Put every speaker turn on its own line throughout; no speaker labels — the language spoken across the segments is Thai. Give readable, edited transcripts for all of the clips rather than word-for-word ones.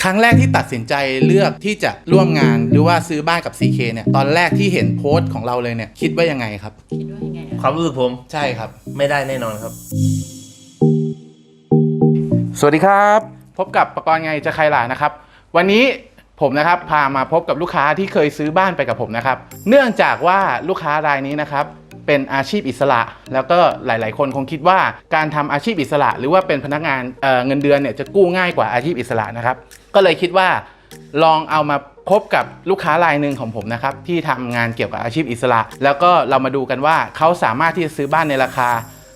ครั้งแรกที่ตัดสินใจเลือกที่จะร่วมงานหรือว่าซื้อบ้านกับ CK เนี่ยตอนแรกที่เห็นโพสต์ของเราเลยเนี่ยคิดว่ายังไงครับ
คิดว่ายังไง
ความรู้สึกผม
ใช่ครับ
ไม่ได้แน่นอนครับ
สวัสดีครับพบกับประกรณ์ไงจะใครล่ะนะครับวันนี้ผมนะครับพามาพบกับลูกค้าที่เคยซื้อบ้านไปกับผมนะครับเนื่องจากว่าลูกค้ารายนี้นะครับเป็นอาชีพอิสระแล้วก็หลายๆคนคงคิดว่าการทำอาชีพอิสระหรือว่าเป็นพนักงานเงินเดือนเนี่ยจะกู้ง่ายกว่าอาชีพอิสระนะครับก็เลยคิดว่าลองเอามาพบกับลูกค้ารายหนึ่งของผมนะครับที่ทำงานเกี่ยวกับอาชีพอิสระแล้วก็เรามาดูกันว่าเขาสามารถที่จะซื้อบ้านในราคา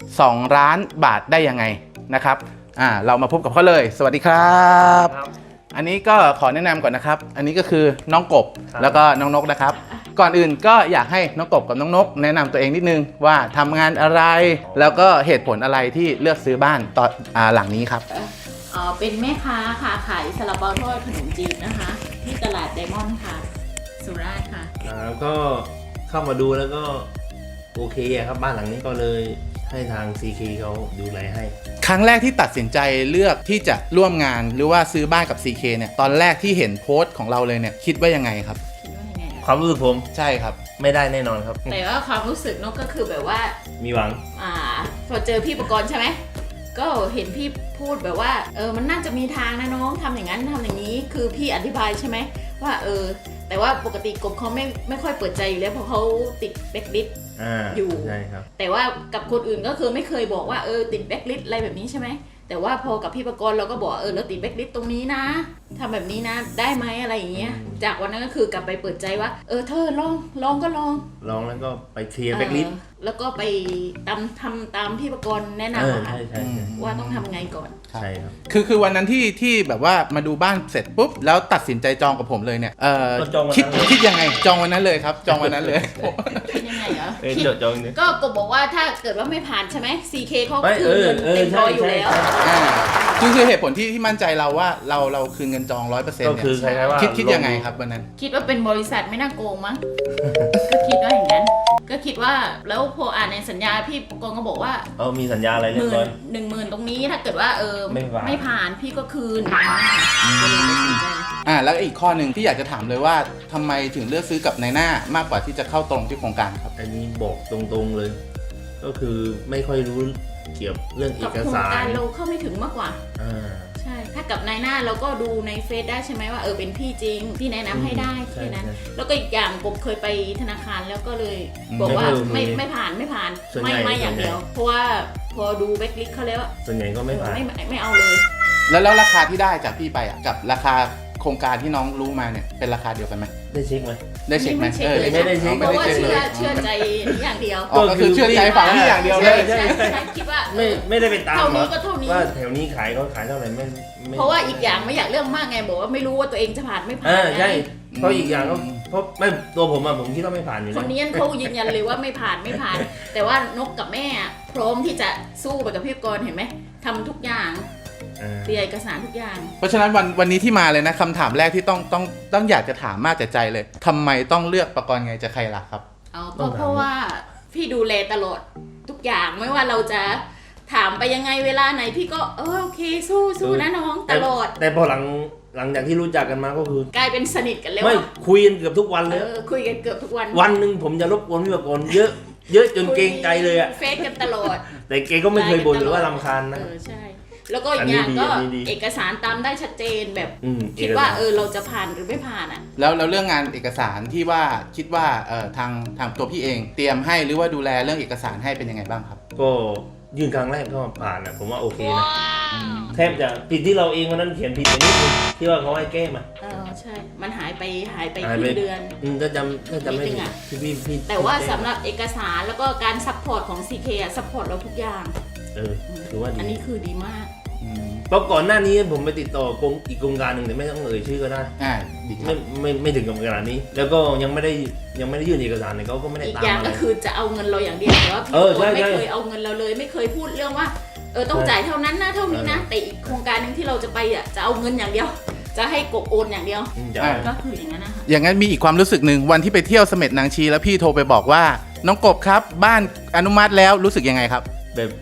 2 ล้านบาทได้ยังไงนะครับเรามาพบกับเขาเลยสวัสดีครับอันนี้ก็ขอแนะนำก่อนนะครับอันนี้ก็คือน้องกบแล้วก็น้องนกนะครับก่อนอื่นก็อยากให้น้องกบกับน้องนกแนะนำตัวเองนิดนึงว่าทำงานอะไรแล้วก็เหตุผลอะไรที่เลือกซื้อบ้านตอนหลังนี้ครับ
เป็นแม่ค้าค่ะขายซาลาเปาทอดขนมจีนนะคะที่ตลาดไดมอนด์ค่ะสุราษฎร์ค่ะ
แล้วก็เข้ามาดูแล้วก็โอเคครับบ้านหลังนี้ก็เลยให้ทาง CK เขาดูแลให้
ครั้งแรกที่ตัดสินใจเลือกที่จะร่วมงานหรือว่าซื้อบ้านกับ CK เนี่ยตอนแรกที่เห็นโพสต์ของเราเลยเนี่ยคิดว่ายังไงครับ
คิดว่ายังไง
ความรู้สึกผม
ใช่ครับ
ไม่ได้แน่นอนครับ
แต่ว่าความรู้สึกนกก็คือแบบว่า
มีหวัง
พอเจอพี่ประกรณ์ใช่ไหมก็เห็นพี่พูดแบบว่ามันน่าจะมีทางนะน้องทำอย่างนั้นทำอย่างนี้คือพี่อธิบายใช่ไหมว่าแต่ว่าปกติกบเขาไม่ค่อยเปิดใจอยู่แล้วเพราะเขาติดแบ็คลิสต์อยู่
ใช่ครับ
แต่ว่ากับคนอื่นก็คือไม่เคยบอกว่าติดแบ็คลิสต์อะไรแบบนี้ใช่ไหมแต่ว่าพอกับพี่ประกรณ์เราก็บอกเราติดแบ็คลิสต์ตรงนี้นะทำแบบนี้นะได้ไหมอะไรอย่างเงี้ยจากวันนั้นก็คือกลับไปเปิดใจว่าเธอลองก็ลอง
แล้วก็ไปเคลียร์แบ็คลิสต์
แล้วก็ไปทำตามพี่ประกรณ์แนะนำว่าต้องทำไงก่อน
ใช่ครับ
คือวันนั้นที่แบบว่ามาดูบ้านเสร็จปุ๊บแล้วตัดสินใจจองกับผมเลยเนี่ยคิดยังไงจองวันนั้นเลยครับจองวันนั้นเลย
คิดยังไงเหรอ
จองเนี่ย
ก็กบบอกว่าถ้าเกิดว่าไม่ผ่านใช่ไหม CK เขาคืนเงินเต็มร้อยอยู่แล้ว
คือเหตุผลที่มั่นใจเราว่าเราคืนเงินจอง 100%
ก็คือใครว่า
คิดยังไงครับวันนั้น
คิดว่าเป็นบริษัทไม่น่าโกงมั้งก็คิดว่าอย่างนั้นก็คิดว่าแล้วพออ่านในสัญญาพี่กองก็บอกว่า
มีสัญญาอะไรเรียบร้อย
10,000ตรงนี้ถ้าเกิดว่าไม่ผ่านพี่ก็คืน
แล้วอีกข้อหนึ่งที่อยากจะถามเลยว่าทำไมถึงเลือกซื้อกับนายหน้ามากกว่าที่จะเข้าตรงที่โครงการครับ
อันนี้บอกตรงๆเลยก็คือไม่ค่อยรู้เกี่ยวเรื่องเอกสาร
กับโครงการเราเข้าไม่ถึงมากกว่าใช่ถ้ากับนายหน้าเราก็ดูในเฟซได้ใช่ไหมว่าเป็นพี่จริงพี่แนะนำให้ได้แค่นั้นแล้วก็อีกอย่างผมเคยไปธนาคารแล้วก็เลยบอกว่าไม่ผ่านไม่อย่างเดียวเพราะว่าพอดูแบ็คลิสต์เขาแล้ว
ส่วนใหญ่ก็ไม่ผ่าน
ไม่เอาเลย
แล้วราคาที่ได้จากพี่ไปกับราคาโครงการที่น้องรู้มาเนี่ยเป็นราคาเดียวกันไหม
ได้เช็คไหม
ได้เช็คไหม
ไม่ได้เช็ค
เพราะว่าเชื่อใจอย่างเดียว
ก็คือเชื่อใจฝั่งที่อย่างเดียวเลย
ใช่คิดว่า
ไม่ได้ไปตาม
เท่านี้ก็เท่านี้
ว่าแถวนี้ขายเขาขายเท่าไหร่ไม่
เพราะว่าอีกอย่างไม่อยากเรื่องมากไงบอกว่าไม่รู้ว่าตัวเองจะผ่านไม่ผ่าน
ใช่เพราะอีกอย่างก็เพราะไม่ตัวผมคิดว่าไม่ผ่านอยู่
คนนี้เขายืนยันเลยว่าไม่ผ่านแต่ว่านกกับแม่พร้อมที่จะสู้ไปกับพี่กรเห็นไหมทำทุกอย่างเตรียมเอกสารทุกอย่าง
เพราะฉะนั้นวันนี้ที่มาเลยนะคำถามแรกที่ต้องอยากจะถามมากแต่ใจเลยทำไมต้องเลือกประกรณ์ไงจะใครล่ะครับ
เพราะว่าพี่ดูแลตลอดทุกอย่างไม่ว่าเราจะถามไปยังไงเวลาไหนพี่ก็โอเคสู้นะน้องตลอด
แต่พอหลังจากที่รู้จักกันมาก็คือก
ลายเป็นสนิทกันแล้ว
ไม่คุยกันเกือบทุกวันเลย
คุยกันเกือบทุกวัน
วันหนึ่งผมจะรบกวนพี่ประกรณ์เยอะจนเกรงใจเลยอะ
เฟซกันตลอด
แต่เกก็ไม่เคยบ่นหรือว่ารำคาญนะ
ใช่แล้วก็อย่างก็เอกสารตามได้ชัดเจนแบบคิดว่าเราจะผ่านหรือไม่ผ่านอ่ะ
แล้วเรื่องงานเอกสารที่ว่าคิดว่าทางตัวพี่เองเตรียมให้หรือว่าดูแลเรื่องเอกสารให้เป็นยังไงบ้างครับ
ก็ยื่นครั้งแรกก็ผ่านนะผมว่าโอเคนะแทบจะผิดที่เราเองวันนั้นเขียนผิดไปนิดนึงที่ว่าเขาให้แก้มา
ใช่มันหายไปครึ่งเดือน
ถ้าจำไม่ผิดพี่
แต่ว่าสำหรับเอกสารแล้วก็การซัพพอร์ตของ CK ซัพพอร์ตเราทุกอย่าง
ถือว่าดี
อันนี้คือดีมาก
เพราะก่อนหน้านี้ผมไปติดต่ออีกโครงการหนึ่งแต่ไม่ต้องชื่อก็ได้ไม่ถึงกับขนาดนี้แล้วก็ยังไม่ได้ยื่นเอกสารเลยเขาก็ไม่ได้ตาม
อีกอย่างก็คือจะเอาเงินเราอย่างเดียวแต่ว่าพี่ไม่เคยเอาเงินเราเลยไม่เคยพูดเรื่องว่าต้องจ่ายเท่านั้นนะเท่านี้นะแต่อีกโครงการนึงที่เราจะไปจะเอาเงินอย่างเดียวจะให้กบโอนอย่างเดียวก็คืออย่างนั้นนะคะ
อย่างนั้นมีอีกความรู้สึกหนึ่งวันที่ไปเที่ยวเสม็ดนางชีแล้วพี่โทรไปบอกว่าน้องกบครับบ้านอนุมัติแล้วรู้สึกยังไงครับ
แบบ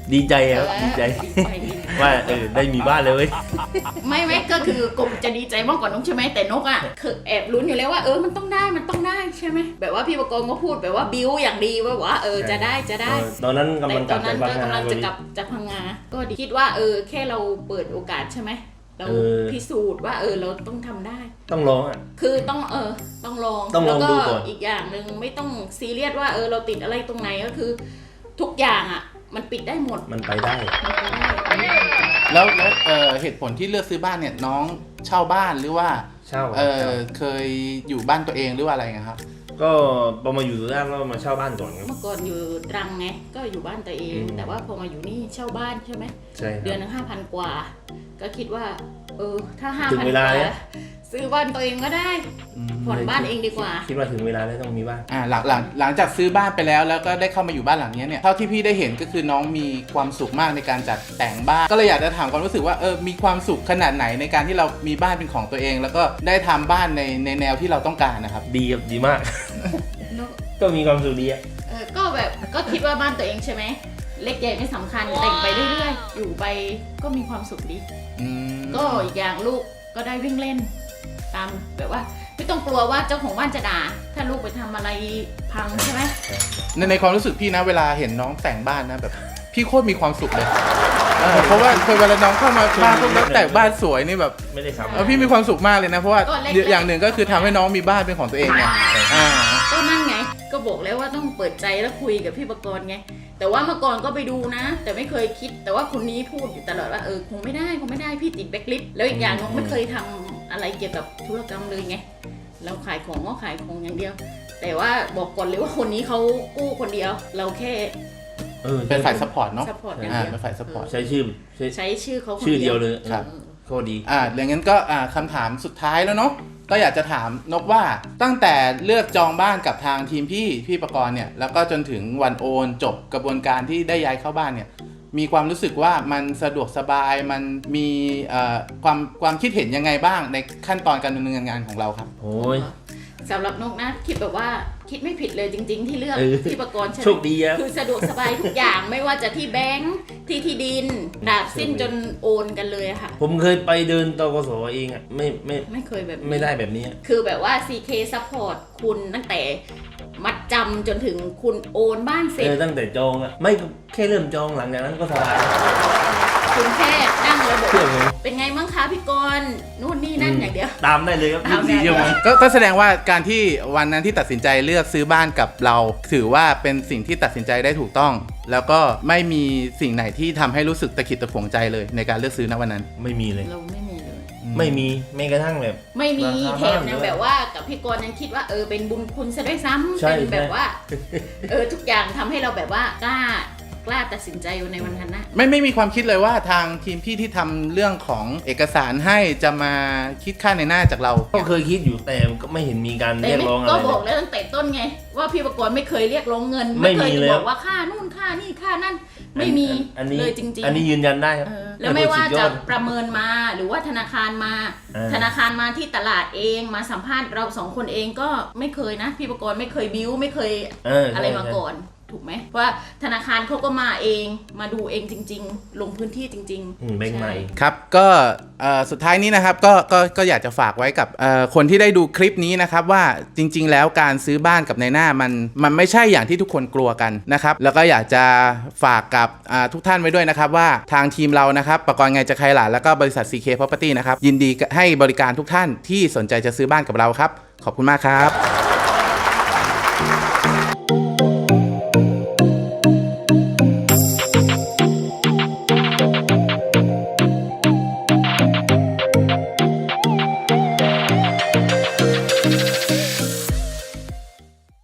ดีใจครับดีใจ
ดี
ว่าได้มีบ้านเลยเว้ย
ไม่ก็คือกบจะดีใจมากกว่านกใช่ไหมแต่นกอ่ะคือแอบลุ้นอยู่แล้วว่ามันต้องได้ใช่ไหมแบบว่าพี่ประกรณ์ก็พูดแบบว่าบิ้วอย่างดีว่าจะได้
ตอนนั้นกำ
แต่
ลัง
ต
กลั
อบ นนั้น
จาก
ก็
พังงาก
ำลังจะกลับจากพังงาก็ดีคิดว่าแค่เราเปิดโอกาสใช่ไหมเราพิสูจน์ว่าเราต้องทำได้
ต้องร้องอ่ะ
คือต้องต้องลอง
ต้องลอง
แล้ว
ดู
ก็
ก่อน
อีกอย่างหนึ่งไม่ต้องซีเรียสว่าเราติดอะไรตรงไหนก็คือ ทุกอย่างอ่ะมันปิดได้หมด
มันไปได้
แล้วเหตุผลที่เลือกซื้อบ้านเนี่ยน้องเช่าบ้านหรือว่า
เช่า
เคยอยู่บ้านตัวเองหรือว่าอะไรครับ
ก็พอมาอยู่แรกก็มาเช่าบ้านก่อนครับ
เมื่อก่อนอยู่ตรังไงก็อยู่บ้านตัวเอง แต่ว่าพอมาอยู่นี่เช่าบ้านใช่ไหม
ใช่ครับ
เดือนละ5,000 กว่า ก็คิดว่าถ้า
ถึง
5,000
เว
ก
ลา
ว่า
แล้ว
ซื้อบ้านตัวเองก็ได้ผ่อนบ้านเองดีกว่า
คิดว่าถึงเวลาแล้วต้องมีบ้าน
หลังจากซื้อบ้านไปแล้วก็ได้เข้ามาอยู่บ้านหลังนี้เนี่ยเท่าที่พี่ได้เห็นก็คือน้องมีความสุขมากในการจัดแต่งบ้านก็เลยอยากจะถามความรู้สึกว่ามีความสุขขนาดไหนในการที่เรามีบ้านเป็นของตัวเอง แล้วก็ได้ทำบ้านในแนวที่เราต้องการนะครับ
ดีครับดีมาก ก็มีความสุขดีอ่ะ
ก็แบบก็คิดว่าบ้านตัวเองใช่ไหมเล็กใหญ่ไม่สำคัญแต่งไปเรื่อยๆอยู่ไปก็มีความสุขดี ก็อีกอย่างลูกก็ได้วิ่งเล่น ตามแบบว่าไม่ต้องกลัวว่าเจ้าของบ้านจะด่าถ้าลูกไปทำอะไรพังใช่ไหม
ในความรู้สึกพี่นะเวลาเห็นน้องแต่งบ้านนะแบบพี่โคตรมีความสุขเลยเพราะว่าเวลาน้องเข้ามาบ้านพวกน้องแต่งบ้านสวยนี่แบบ
ไม่ได้ทำ
พี่มีความสุขมากเลยนะเพราะว่าอย่างหนึ่งก็คือทำให้น้องมีบ้านเป็นของตัวเองไง
ก็นั่นไงก็บอกแล้วว่าต้องเปิดใจแล้วคุยกับพี่ประกรณ์ไงแต่ว่าเมื่อก่อนก็ไปดูนะ แต่ไม่เคยคิดแต่ว่าคนนี้พูดอยู่ตลอดว่าคงไม่ได้พี่ติดแบ็คลิสต์แล้วอีกอย่างน้องไม่เคยทำอะไรเกี่ยวกับธุรกรรมเลยไงเราขายของก็ขายของอย่างเดียว แต่ว่าบอกก่อนเลยว่าคนนี้เขากู้คนเดียว เราแค่
เป็นฝ่ายซัพพอร์ตเนาะ
ซัพพอร์ตอย่างเดียว
เป็นฝ่ายซัพพอร์ต
ใช้ชื่อ
ใช้ชื่อเขาคน
ชื่อเดียวเลย
ครับ
โคตรดี
อย่างนั้นก็คำถามสุดท้ายแล้วเนาะก็อยากจะถามนกว่าตั้งแต่เลือกจองบ้านกับทางทีมพี่ประกรณ์เนี่ยแล้วก็จนถึงวันโอนจบกระบวนการที่ได้ย้ายเข้าบ้านเนี่ยมีความรู้สึกว่ามันสะดวกสบายมันมีความคิดเห็นยังไงบ้างในขั้นตอนการดำเนินงานของเราครับ
โอ้ย
สำหรับนกนะคิดแบบว่าคิดไม่ผิดเลยจริง ๆ ที่เลือกพี่ประกรณ์ใช่ไหม
โชคดีอะ
คือสะดวกสบายทุกอย่าง ไม่ว่าจะที่แบงค์ที่ดินดาบสิ้นจนโอนกันเลยอะค่ะ
ผมเคยไปเดินตกสเองอ่ะ
ไม่เคยแบบนี้
ไม่ได้แบบนี้อะ
คือแบบว่า CK support คุณตั้งแต่มัดจำจนถึงคุณโอนบ้านเสร็จ
ตั้งแต่จองอ่ะไม่แค่เริ่มจองหลังจากนั้นก็สบาย
คุณแค่นั่งแล้วบอก
เชื่อผม
เป็นไงบ้างคะพี่กรณ์นู่นนี่นั่นอย่างเดียว
ตามได้เลยครับ
ตามได้
24 ชั่วโมง
ก็แสดงว่าการที่วันนั้นที่ตัดสินใจเลือกซื้อบ้านกับเราถือว่าเป็นสิ่งที่ตัดสินใจได้ถูกต้อง แล้วก็ไม่มีสิ่งไหนที่ทำให้รู้สึกตะขิดตะขวงใจเลยในการเลือกซื้อณวันนั้น
ไม่มีเลย
เราไม่มีเลย
ไม่มีแม้กระทั่งแบบ
ไม่มี
ราคา
แถมยังแบบว่ากับพี่กรณ์ยังคิดว่าเป็นบุญคุณซะด้วยซ้ำ
ใช่
เป็นแบบว่าทุกอย่างทำให้เราแบบว่ากล้าตัดสินใจในวันนั้นนะ
ไม่มีความคิดเลยว่าทางทีมพี่ที่ทำเรื่องของเอกสารให้จะมาคิดค่าในหน้าจากเรา
ก็เคยคิดอยู่แต่ก็ไม่เห็นมีการ
แต่
เรียก
ไม่
ร้องอะไร
ก็
เล
บอก
ย
แล้วตั้งแต่ต้นไง ว่าพี่ประกรณ์ไม่เคยเรียกร้องเงิน
ไม่มี
เคย
เลย
บอกว่าค่านู่นค่านี่ค่านั่นไม่มี
อันนี้
เลยจริงๆ
อันนี้ยืนยันได้ครับ
แล้วไม่ว่า
สุดย
จะ
อด
ประเมินมาหรือว่าธนาคารมา ธนาคารมาที่ตลาดเองมาสัมภาษณ์เราสองคนเองก็ไม่เคยนะพี่ประกรณ์ไม่เคยบิ้วไม่เคย อะไรมาก่อนถูกไหมเพราะว่าธนาคารเขาก็มาเองมาดูเองจริง ๆ ลงพื้นที่จริง
แบงค์ใหม่
ครับก็สุดท้ายนี้นะครับก็อยากจะฝากไว้กับคนที่ได้ดูคลิปนี้นะครับว่าจริง ๆ แล้วการซื้อบ้านกับนายหน้ามันไม่ใช่อย่างที่ทุกคนกลัวกันนะครับแล้วก็อยากจะฝากกับทุกท่านไว้ด้วยนะครับว่าทางทีมเรานะครับประกรณ์ไงจะใครหล่ะแล้วก็บริษัท CK Property นะครับยินดีให้บริการทุกท่านที่สนใจจะซื้อบ้านกับเราครับขอบคุณมากครับ